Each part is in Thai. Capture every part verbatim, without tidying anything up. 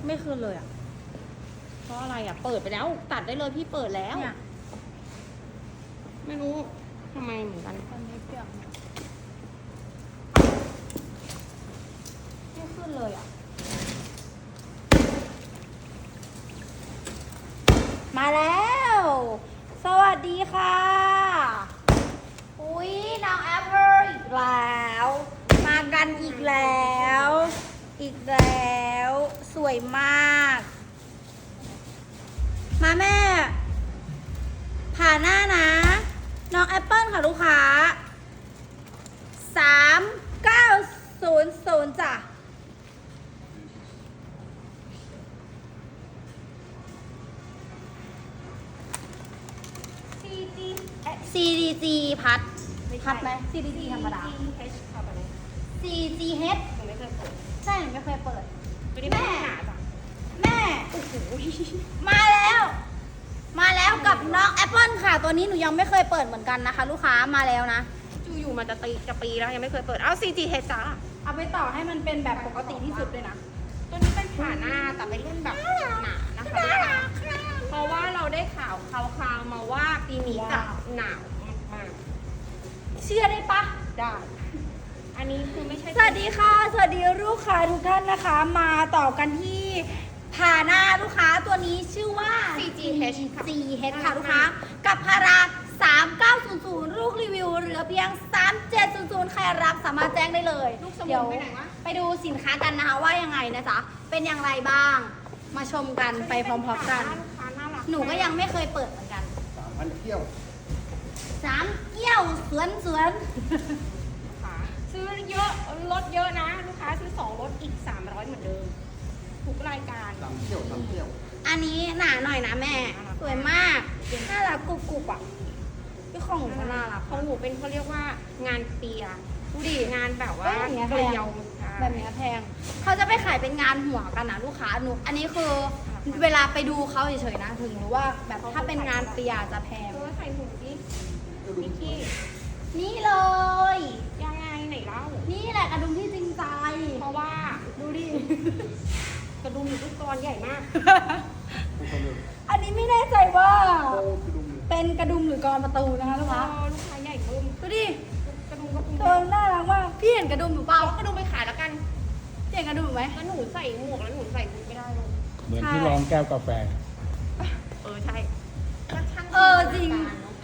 ไม่คืนเลยอ่ะเพราะอะไรอ่ะ เปิดไปแล้ว ตัดได้เลยพี่เปิดแล้วเนี่ยไม่รู้ทำไมเหมือนกันตอนนี้เปียกเนี่ยไม่ขึ้นเลยอ่ะ มาแล้ว สวัสดีค่ะ อุ้ยน้องแอปเปิลอีกแล้ว มากันอีกแล้ว อีกแล้ว สวยมาก มาแม่ผ่าหน้านะ น้องแอปเปิลค่ะลูกค้า สามเก้าศูนย์ศูนย์จ้ะซีจีซี ดี จี พัด พัดไหม ซี ดี จี ธรรมดาเอชเข้าไปเลยซี จี เอชหนูไม่เคยเปิดใช่หนูไม่เคยเปิดไม่ได้ไม่ได้หาจ้ะแม่โอ้โหมาแล้ว มาแล้วกับน้องแอปเปิลค่ะ ตัวนี้หนูยังไม่เคยเปิดเหมือนกันนะคะ ลูกค้ามาแล้วนะจูอยู่มาจะตีจะปีแล้วยังไม่เคยเปิด เอา ซี จี เอช จ้าเอาไปต่อให้มันเป็นแบบปกติที่สุดเลยนะตัวนี้เป็นผ่าหน้าแต่เป็นรุ่นแบบหนานะคะลูกค้าเพราะว่าเราได้ข่าวคราวๆมาว่าปีนี้จะหนาวมากเชื่อได้ปะๆได้ อันนี้คือไม่ใช่สวัสดีค่ะ สวัสดีลูกค้าทุกท่านนะคะ มาต่อกันที่ผ่าหน้าลูกค้าตัวนี้ชื่อว่าซี จี เอช ค่ะซี เอช ค่ะลูกค้า กับพาราสามเก้าศูนย์ศูนย์ลูกรีวิวเหลือเพียงสามเจ็ดศูนย์ศูนย์ใครรับสามารถแจ้งได้เลยลูกสมุนเดี๋ยวไปไหนวะไปดูสินค้ากันนะคะว่ายังไงนะจ๊ะ เป็นอย่างไรบ้าง มาชมกันไปพร้อมๆกันลูกค้าน่ารักหนูก็ยังไม่เคยเปิดเหมือนกันสามพันเที่ยวสามเกี้ยวสวนสวนค่ะซื้อเยอะลดเยอะนะ ลูกค้าซื้อสองลดอีกสามร้อยเหมือนเดิมทุกรายการสามเที่ยวสามเที่ยวอันนี้หนาหน่อยนะแม่ สวยมาก น่ารักกรุบกรุบอ่ะพี่ของหนูก็น่ารักของหนูเป็นเขาเรียกว่างานเปียดูดิงานแบบว่าเอ้ยอย่างเงี้ยเกแพงลียวแบบเนี้ยแพง เขาจะไปขายเป็นงานหัวกันนะลูกค้าหนู อันนี้คือเวลาไปดูเขาเฉยๆนะ ถึงรู้ว่าแบบถ้าเป็นงานเปียจะแพงเออใส่หูดิก็ดูนิกกี้นี่เลยยังไงไหนเล่านี่แหละกระดุมที่จริงใจเพราะว่าดูดิกระดุมอยู่ทุกตอนใหญ่มากผู้คนเลยอันนี้ไม่แน่ใจว่าโอ้คือดูมือเป็นกระดุมหรือกรอนประตูนะคะลูกเอค้าอลูกค้าใหญ่เพิ่มดูดิกระดุมกระดุมตัวน่ารักมากพี่เห็นกระดุมหรือเปล่าเอากระดุมไปขายแล้วกันพี่เห็นกระดุมไหมแล้วหนูใส่หมวกแล้วหนูใส่หูไม่ได้เลยเหมือนที่รองแก้วกาแฟเออใช่ก็ช่างเออจริง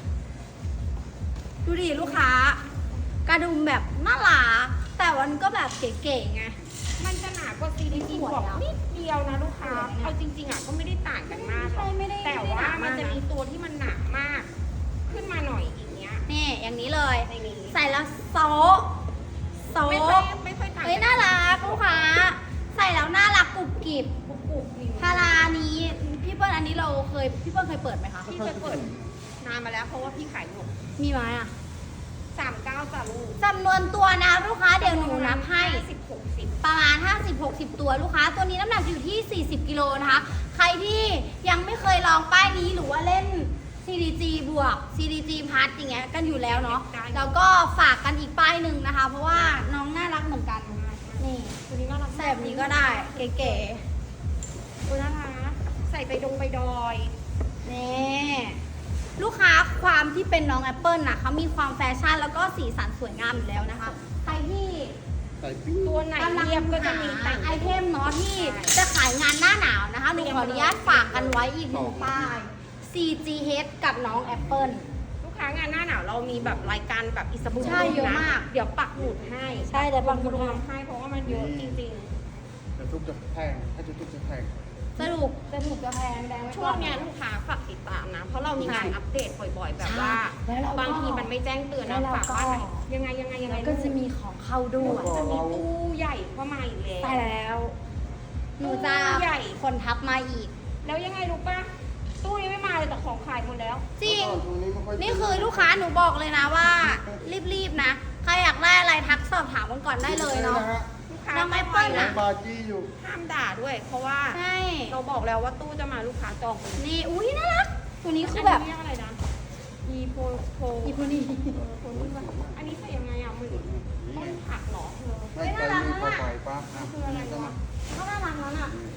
ดูดิลูกค้า กระดุมแบบน่ารักแต่วันก็แบบเก๋ๆไงมันจะหนากว่า ซี ดี จีสวยบอกอะนิดเดียวนะลูกค้าสวยเนี่ยเอาจริง ๆอ่ะก็ไม่ได้ต่างกันมากหรอกใช่ไม่ได้แต่ไม่ได้ว่าหนามากมันจะมีตัวที่มันหนามาก ขึ้นมาหน่อยอย่างเงี้ยนี่อย่างนี้เลยในนี้ใส่แล้วโซะโซไม่ค่อยะไม่ค่อยต่างเฮ้ยน่ารักลูกค้า ใส่แล้วน่ารักกรุบกริบกรุบกรุบอยู่พารานี้พี่เปิ้ลอันนี้เราเคยพี่เปิ้ลเคยเปิดไหมคะพี่เคยเปิดนานมาแล้วเพราะว่าพี่ขายหมดมีไหมอ่ะสามเก้าจ้าลูกจำนวนตัวนะลูกค้าเดี๋ยวหนูนับให้สิบหกสิบประมาณ ห้าสิบหกสิบ ตัวลูกค้า ตัวนี้น้ำหนักอยู่ที่ สี่สิบ กิโลนะคะ ใครที่ยังไม่เคยลองป้ายนี้หรือว่าเล่น ซี ดี จี บวก ซี ดี จี พัดอย่างเงี้ยกันอยู่แล้วเนาะ แล้วก็ฝากกันอีกป้ายหนึ่งนะคะ เพราะว่าน้องน่ารักเหมือนกัน นี่ตัวนี้น่ารักใส่แบบนี้ก็ได้ เก๋ตัวน่ารักใส่ไปดงไปดอยๆ นี่ลูกค้าความที่เป็นน้องแอปเปิลนะเขามีความแฟชั่นแล้วก็สีสันสวยงามอยู่แล้วนะคะ ใครที่ใส่ปิ้งตัวไหนกำลังเรียบก็จะมีแต่หาง ไอเทมเนาะที่จะขายงานหน้าหนาวนะคะหนูขออนุญาตฝากกันไว้อีกหนึ่งป้าย ซี จี เอช กับน้องแอปเปิลลูกค้างานหน้าหนาวเรามีแบบรายการแบบอิสบุใช่เยอะมากเดี๋ยวปักหมุดให้ใช่แต่บางคนรวมให้เพราะว่ามันเยอะจริงแต่ทุกจะแพงถ้าจะทุกจะแพงสรุปจะถูกจะแพงแดงไว้ๆก่ช่วงเนี้ยลูกค้าฝากติดตามนะ เพราะเรามีงานอัปเดตบ่อยๆ แบบว่าใช่แล้วเราก็บางทีมันไม่แจ้งเตือนแล้นะวเราฝากก็ว่าไหนยังไงยังไงยังไงแล้วก็จะมีของเข้าด้วยจะมีตู้ใหญ่เข้ามาอีกแล้วใช่แล้ว หนูจะใหญ่คนทับมาอีกแล้วยังไงรู้ป่ะตู้ยังไม่มาเลยแต่ของขายหมดแล้วจริงแล้วก็ช่วไม่ยนี่คือลูกค้าหนูบอกเลยนะว่า รีบๆนะ ใครอยากได้อะไรทักสอบถามกันก่อนได้เลยเนาะลูกค้าน้องแอปเปิ้ลร้าอะนบาจี้อยู่ห้ามด่าด้วย เพราะว่าใช่เราบอกแล้วว่าตู้จะมาลูกค้าจองนี่อุ้ยน่ารัก ตัวนี้คือแบบนนี้เรียกอะไรนะอีโพโพอีพวกนี้เออโพนี่ว่าอันนี้ใส่ยังไงอ่ะมันต้นผักเหรอเธอไม่ใจนี่พอไปปั๊บอ่ะคืออะไรวะก็น่ารักแล้วน่ะ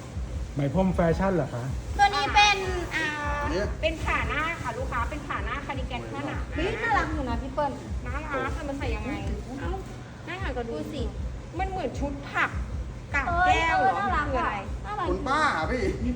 ไหมพรมแฟชั่นเหรอคะตัวนี้เป็นอ่าเนี่ยเป็นขาหน้าค่ะลูกค้าเป็นขาหน้าคาร์ดิแกนผ้าหนาเฮ้ยน่ารักอยู่นะพี่เปิ้ลน่ารักแต่มันใส่ยังไงเอ้าน่ารักก็ดูดูสิมันเหมือนชุดผักกาบเอ้ยแก้วเหรอน่ารักคืออะอะไรน่ารักคุณป้าพี่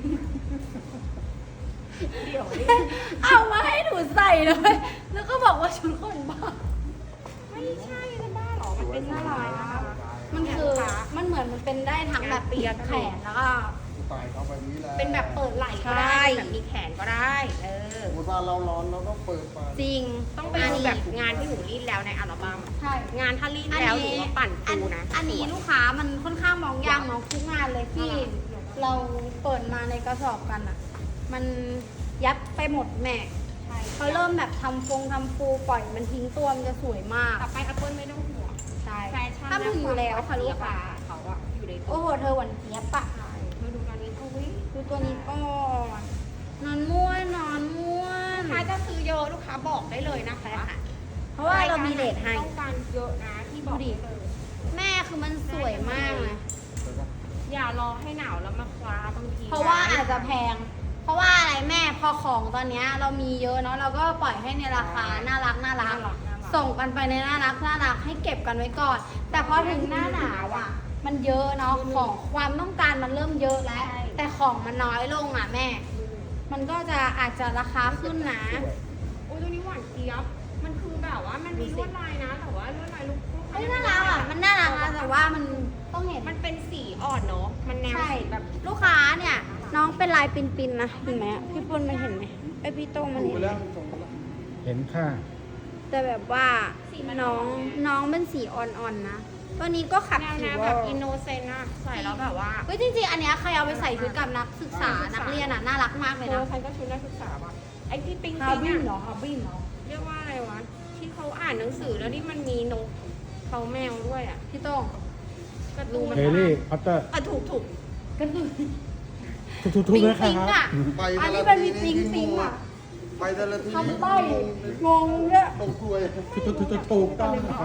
เดี๋ยวดิเอามาให้หนูใส่เลย แล้วก็บอกว่าชุดคนบ้าไม่ใช่นะบ้าเหรอมันเป็นน่ารักนะคะมันคือมันเหมือนมันเป็นได้ทั้งแบบปีกแขนแล้วก็ตายเขาแบบนี้แหละเป็นแบบเปิดไหล่ก็ใช่ได้แบบมีแขนก็ได้เออสมมติว่าเราร้อนเราต้องเปิดไฟจริงต้องไปดูแบบงานที่หนูรีดแล้วในอัลบั้มใช่งานถ้ารีดแล้วหนูว่าปั่นอันปูนะอันนี้ลูกค้ามันค่อนข้างมองยากเนาะทุกงานเลยที่เราเปิดมาในกระสอบกันอ่ะ มันยับไปหมดแม่ใช่เขาเริ่มแบบทำฟงทำฟูปล่อยมันทิ้งตัวมันจะสวยมากต่อไปอัปเปิลไม่ต้องห่วงใช่แฟชั่นถ้าถึงอยู่แล้วค่ะลูกค้าเขาอะอยู่ในตัโอ้วโหเธอหวานเจี๊ยบปะใช่มาดูงานนี้เขาวิดูตัวนี้ก่อนนอนม้วนนอนม้วนลูกค้าจะซื้อเยอะลูกค้าบอกได้เลยนะคะเพราะว่าเรามีเลทให้ต้องการเยอะนะที่บอกได้เลยแม่คือมันสวยมากนะอย่ารอให้หนาวแล้วมาคว้าบางทีเพราะว่าอาจจะแพง เพราะว่าอะไรแม่พอของตอนเนี้ยเรามีเยอะเนาะเราก็ปล่อยให้ในราคาน่ารักน่ารัน่าก รักน่ารักส่งกันไปในน่ารักน่ารักให้เก็บกันไว้ก่อน แต่พอถึงหน้าหนาวอ่ะ มันเยอะเนาะของความต้องการมันเริ่มเยอะแล้ว แต่ของมันน้อยลงอ่ะแม่ มันก็จะอาจจะราคาขึ้นนะโอ้ยตัวนี้หวานเจี๊ยบมันคือแบบว่ามันมีลวดลายนะ แต่ว่าลวดลายลูกลูกค้เฮ้ยน่ารักอ่ะมันน่ารักนะแต่ว่ามันต้องเห็นมันเป็นสีอ่อนเนาะมันแนวใช่สีแบบลูกค้าเนี่ย น้องเป็นลายปินๆนะเห็นไหมพี่ปุ้นมันเห็นไหมไอยพี่โต้งมันดูเห็นไปไหมแล้วส่งไปแล้วเห็นค่ะแต่แบบว่าน้องน้องเป็นสีอ่อนๆนะตัวนี้ก็ขัดแนวผิแนววแบบอินโนเซนต์อะใส่แล้วแบบว่าเฮ้ยจริงๆ อันเนี้ยใครเอาไปใส่ชุดกับนักศึกษานักเรียนอ่ะน่ารักมากเลยเออนะใครก็ชุดนักศึกษาว่ะไอ้ที่ปิงฮาปิงบินอะเหรอฮาบินเหรอเรียกว่าอะไรวะที่เขาอ่านหนังสือแล้วนี่มันมีนกเขาแมวด้วยอะพี่โต้งการ์ตูนเฮลี่พอตเตอร์อ่ะถูกถูกก็คือทุกๆทุกปิงนะคปิงรัอ่ะบไปอันแต่นี้ละมันมีทีปิงปิงอ่ะไปแต่ละทีทำใบ้งงด้วยตกกล้วยทุกๆทุกๆถูกต้องครับ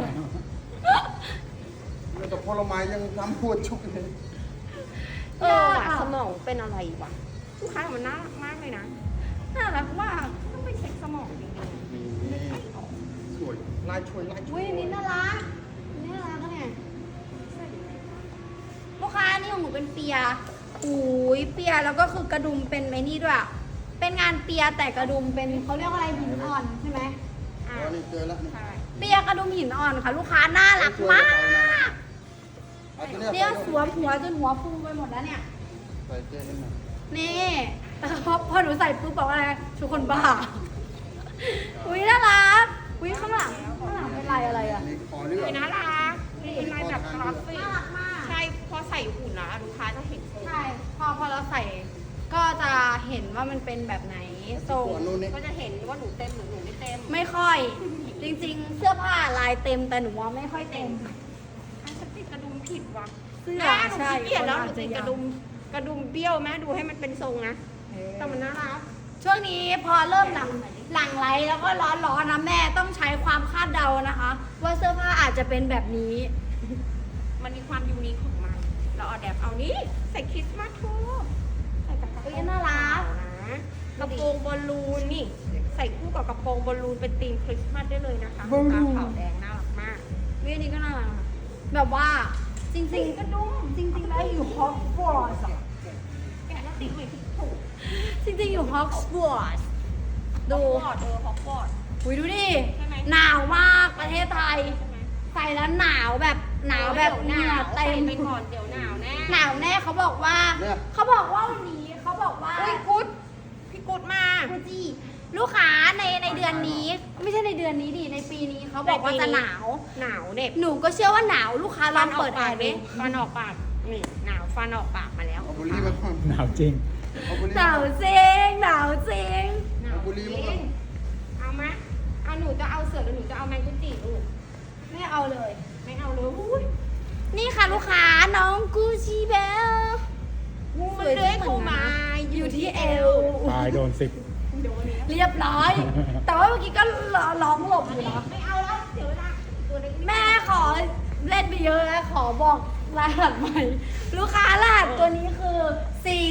แล้วแต่ผลไม้ยังทำพวดชุกเลยเออว่ะสมองเป็นอะไรวะลูกค้ามันน่ารักมากเลยนะน่ารักมากต้องไปเช็คสมองจริงนี่สวยลายช่วยลายช่อุ้วย ยอันนี้น่ารักอันนี้น่ารักนะเนี่ยลูกค้านี่ของหนูเป็นเปียอุ้ยเปียแล้วก็คือกระดุมเป็นไมนี่ด้วยอะเป็นงานเปียแต่กระดุมเป็นเขาเรียกว่าอะไรหินอ่อนใช่ไหมๆอ่ะอ๋อนี่เจอแล้วนี่ใช่เปียกระดุมหินอ่อนค่ะ ลูกค้าน่ารักมากเอาตัวเนี่ยไปสวมหัวจนหัวฟูไปหมดแล้วเนี่ยใส่เจให้หน่อยนี่แต่พอพอหนูใส่ปุ๊บบอกว่าอะไรทุกคนบ้า อุ้ยน่ารัก อุ้ยข้างหลังข้างหลังเป็นลายอะไรอ่ะนี่ขอเลือกเป็นน่ารักเป็นลายแบบกราฟิกน่ารักมากใช่พอใส่หุ่นแล้วลูกค้าจะเห็นทรงใช่ พอพอเราใส่ก็จะเห็นว่ามันเป็นแบบไหนทรงหัวนู้นนี่ก็จะเห็นว่าหนูเต็มหรือหนูไม่เต็มไม่ค่อย จริงๆ เสื้อผ้าลายเต็มแต่หนูว่าไม่ค่อยเต็มอันจะติดกระดุมผิดว่ะเสื้อแม่หนูใช่ขี้เกียจแล้วหคนนูอาจจะติดกระยาวดุมกระดุมเบี้ยวแม่ดูให้มันเป็นทรงนะแต่มันน่ารักช่วงนี้พอเริ่มหลังหลังไลท์แล้วก็ร้อนร้อนๆนะแม่ต้องใช้ความคาดเดานะคะ ว่าเสื้อผ้าอาจจะเป็นแบบนี้มันมีความยูนิคของมัน เราเอาแดบเอานี้ใส่คริสต์มาสทูใส่กับกระโปเอ้รงยน่ารักนะกระโปรงบอลลูนนี่ ใส่คู่กับกระโปรงบอลลูนเป็นธีมคริสต์มาสได้เลยนะคะบอลลูนขาวแดงน่ารักมากวิอันนี้ก็น่ารักนะแบบว่าจริงๆก็ดุ้มจริงๆแล้วอยู่ฮอกวอตส์อะแกะแล้วติดไว้ที่ถูกจริงๆอยู่ฮอกวอตส์ดูฮอกวอตส์เออฮอกวอตส์อุ้ยดูดิใช่ไหมหนาวมากประเทศไทยใช่ไหมใส่แล้วหนาวแบบหนาวแบบหนาวเต็ใส่มไปก่อนเดี๋ยวหนาวแน่หนาวแน่เขาบอกว่าเนี่ยเขาบอกว่าวันนี้เขาบอกว่าอุ้ยกุ๊ดพี่กุ๊ดมาคูจิลูกค้าในในเดือนนี้ ไม่ใช่ในเดือนนี้ดิในปีนี้เขาบอกว่าจะหนาวหนาวเด็บหนูก็เชื่อว่าหนาวลูกค้าลองเปิดแอร์ดิดิฟันออกปากนี่หนาวฟันออกปากมาแล้วเอาบุหรี่มาก่อนหนาวจริงเอาบุหรี่หนาวจริงหนาวจริงหนาวเอาบุหรี่มาก่อนเอาไหมเอาหนูจะเอาเสือหรือหนูจะเอาแมงกุจิลูกไม่เอาเลยไม่เอาเลยอุ้ยนี่ค่ะลูกค้าน้องกูชิเบลงูมันเลื้อยเข้ามาอยู่ที่เอวตายโดนสิบโดนแล้วเรียบร้อย แต่ว่าเมื่อกี้ก็ร้องหลบอยู่นะไม่เอาแล้วเดี๋ยวเวลาตัวเล็กแม่ขอเล่นไปเยอะแล้วขอบอกรหัสใหม่ ลูกค้ารหัสตัวนี้คือ ซี จี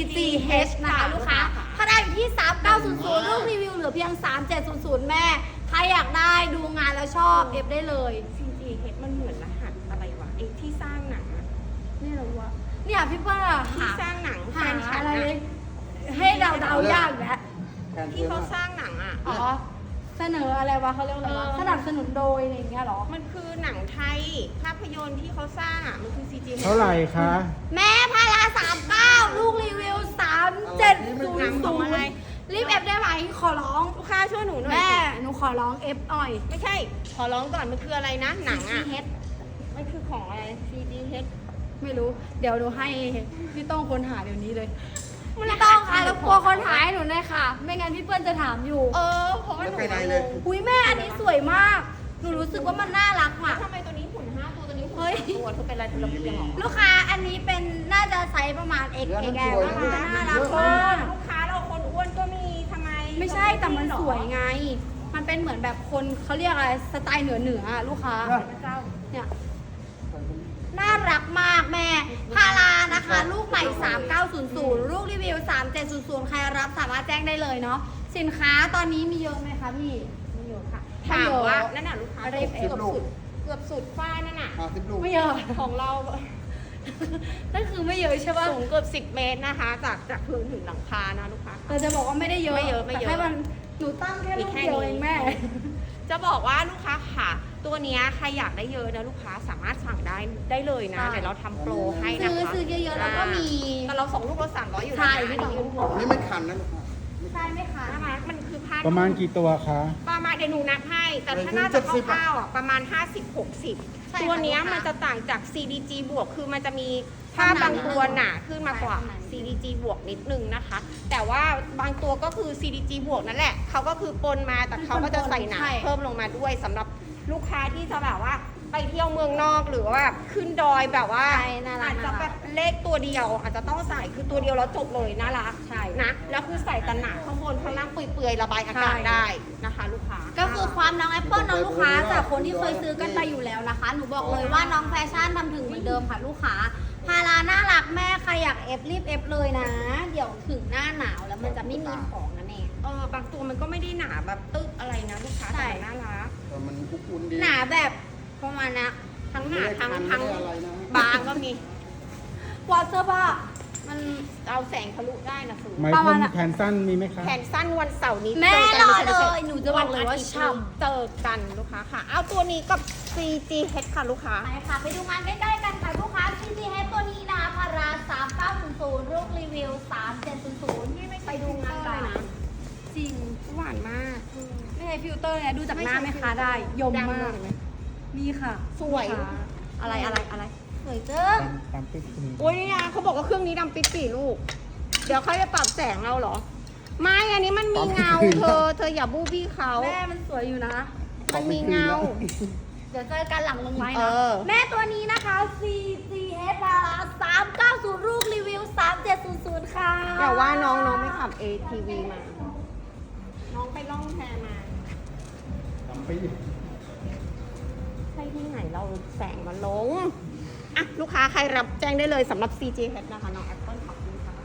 เอช นะคะลูกค้าถ้าได้อยู่ที่ สามเก้าศูนย์ศูนย์ ลูกรีวิวเหลือเพียง สามเจ็ดศูนย์ศูนย์ แม่ ใครอยากได้ดูงานแล้วชอบเอฟได้เลยซี จี เอช มันเหมือนรหัสอะไรวะไอ้ที่สร้างหนังอะนี่เหรอวะเนี่ยพี่เปิ้ลอะที่หาสร้างหนังแฟหานฉันอะไรอะให้เดาเดาๆยากอีกแล้วแทนที่เพื่อนเขาสร้างหนังอะอ๋อ เสนออะไรวะเขาเรียกอะไรวะเออสนับสนุนโดยอะไรอย่างเงี้ยเหรอมันคือหนังไทยภาพยนตร์ที่เขาสร้างอะมันคือ ซี จี เอชเท่าไหร่คะแม่พาราสามเก้าลูกรีวิวสามเจ็ดศูนหนังย์ขอศูงนอะไรย์รีบเอฟได้ไหมขอร้องลูกค้าช่วยหนูหน่อยแม่สิหนูขอร้องเอฟหน่อยไม่ใช่ ขอร้องก่อนมันคืออะไรนะ หนังอะซี จี เอชมันคือของอะไร ซี จี เอชไม่รู้ เดี๋ยวหนูให้พี่ต้องค้นหาเดี๋ยวนี้เลยพี่ต้องค่ะแล้วกลัวคนหาให้หนูหน่อยค่ะ ไม่งั้นพี่เปิ้ลจะถามอยู่เออเพราะว่าหแล้วนูไปไหนเลยอุ้ยแม่อันนี้สวยมาก หนูรู้สึกว่ามันน่ารักอ่ะทำไมตัวนี้หุ่นห้าตัวตัวนี้หุ่นเฮ้ยสามตัวเธอเป็นอะไรเธอระเบียงเหรอลูกค้าอันนี้เป็นน่าจะไซส์ประมาณ X เนื้อมัน X สวย L นะนะคะน่ารักเยอะมากลูกค้าเราคนอ้วนก็มีทำไมไม่ใช่แต่มันสวยไง มันเป็นเหมือนแบบคนเขาเรียกอะไรสไตล์เหนือเหนือๆอะลูกค้าพระเจ้าเนี่ยน่ารักมากแม่ พารานะคะ ลูกใหม่ สามเก้าศูนย์ศูนย์ ลูกรีวิว สามเจ็ดศูนย์ศูนย์ ใครรับสามารถแจ้งได้เลยเนาะ สินค้าตอนนี้มีเยอะไหมคะพี่ไม่เยอะค่ะไม่ถามเยอะว่านั่นน่ะลูกค้าอะไรเกือบสุดเกือบสุดฝ้านั่นน่ะห้าสิบลูกไม่เยอะของเรานั่นคือไม่เยอะใช่ป่ะสูงเกือบสิบเมตรนะคะ จากจากพื้นถึงหลังคานะลูกค้าเราจะบอกว่าไม่ได้เยอะไม่เยอะไม่เยอะแต่แค่มันหนูตั้งแค่มีลูกแค่เดียวนี้เองแม่จะบอกว่าลูกค้าค่ะ ตัวเนี้ยใครอยากได้เยอะนะลูกค้าสามารถสั่งได้ได้เลยนะใช่เดี๋ยวเราทำโปรให้นะคะซื้อซื้อเยอะๆแล้วก็มีแต่เราส่งลูกละสามร้อยอยู่นะใช่พี่ต่อนี่ไม่คันนะลูกค้าใช่ไหมคะน่ารักมันคือผ้าประมาณกี่ตัวคะประมาณเดี๋ยวหนูนับให้ แต่ถ้าน่าจะคร่าวๆอ่ะประมาณ ห้าสิบหกสิบใช่ค่ะตัวเนี้ยลูกค้ามัมันจะต่างจาก ซี ดี จี บวก คือมันจะมีผ้าบางตัวหนาขึ้นมากว่าใช่ซี ดี จี บวกนิดนึงนะคะ แต่ว่าบางตัวก็คือ ซี ดี จี บวกนั่นแหละ เขาก็คือปนมาแต่เขาก็จะใส่หนาใช่เพิ่มลงมาด้วยสำหรับลูกค้าที่จะแบบว่าไปเที่ยวเมืองนอกหรือว่าขึ้นดอยแบบว่าใช่น่ารักอาจจะแบบเลขตัวเดียว อาจจะต้องใส่คือตัวเดียวแล้วจบเลยน่ารักใช่นะแล้วคือใส่แต่หนาข้างบนข้างล่างเปื่อยๆระบายอากาศใช่ได้นะคะ ลูกค้าก็คือความน้องแอปเปิลน้องลูกค้าจากคนที่เคยซื้อกันไปอยู่แล้วนะคะ หนูบอกเลยว่าน้องแฟชั่นทำถึงเหมือนเดิมค่ะลูกค้า พาราน่ารักแม่ใครอยากเอฟรีบเอฟเลยนะ เดี๋ยวถึงหน้าหนาวแล้วมันจะไม่มีของนะแม่เออบางตัวมันก็ไม่ได้หนาแบบตึ๊กอะไรนะลูกค้าใช่แต่มันน่ารักแต่มันอุ่นๆดีหนาแบบประมาณนะทั้งหนาไม่ได้ทั้งคันทั้งไม่ได้อะไรนะบางก็มีวอเตอร์บ้ามันเอาแสงทะลุได้นะสูไม้ประพมาณรมน่ะแขนสั้นมีไหมคะแขนสั้นวันเสาร์นี้แม่จกันรอไม่ใช่เลยหนูจะบอกเลยว่าวันอาทิตฉ่ำเจอกันลูกค้าค่ะ เอาตัวนี้กับ ซี จี เอช ค่ะลูกค้าไปค่ะ ไปดูงานใกล้ๆกันค่ะลูกค้า ซี จี เอช ตัวนี้นะพาราสามเก้าศูนย์ศูนย์ลูกรีวิวสามเจ็ดศูนย์ศูนย์ไปดูงานกันนะจริงหวานมากไม่ใช่ฟิลเตอร์เนี่ยดูจากหน้าไหมคะได้ ยมมากดำเลยไหมนี่ค่ะสวยลูกค้าอะไรอะไรอะไรสวยเจิ้งตามตามปิ๊กคุณโอ้ยนี่นะเขาบอกว่าเครื่องนี้ดำปิดปีลูก เดี๋ยวเขาจะปรับแสงเราเหรอ ไม่อันนี้มันมีเงาเธอ เธออย่าบูบี้เขาแม่มันสวยอยู่นะมันมีเงาเดี๋ยวเจอกันหลังลงไม้เอนะอแม่ตัวนี้นะคะ ซี จี เอช พาราสามเก้าศูนย์ลูกรีวิวสามเจ็ดศูนย์ศูนย์ค่ะอย่าว่าน้องน้องไม่ขับ เอ ที วี มา น้องไปล่องแพมาตามปิ๊กใช่ที่ไหนเราแสงมันลง อ่ะ ลูกค้าใครรับแจ้งได้เลยสำหรับ ซี จี เอช นะคะ น้องแอปเปิลขอบคุณค่ะ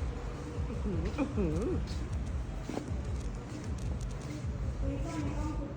อื้อหืออื้อหือ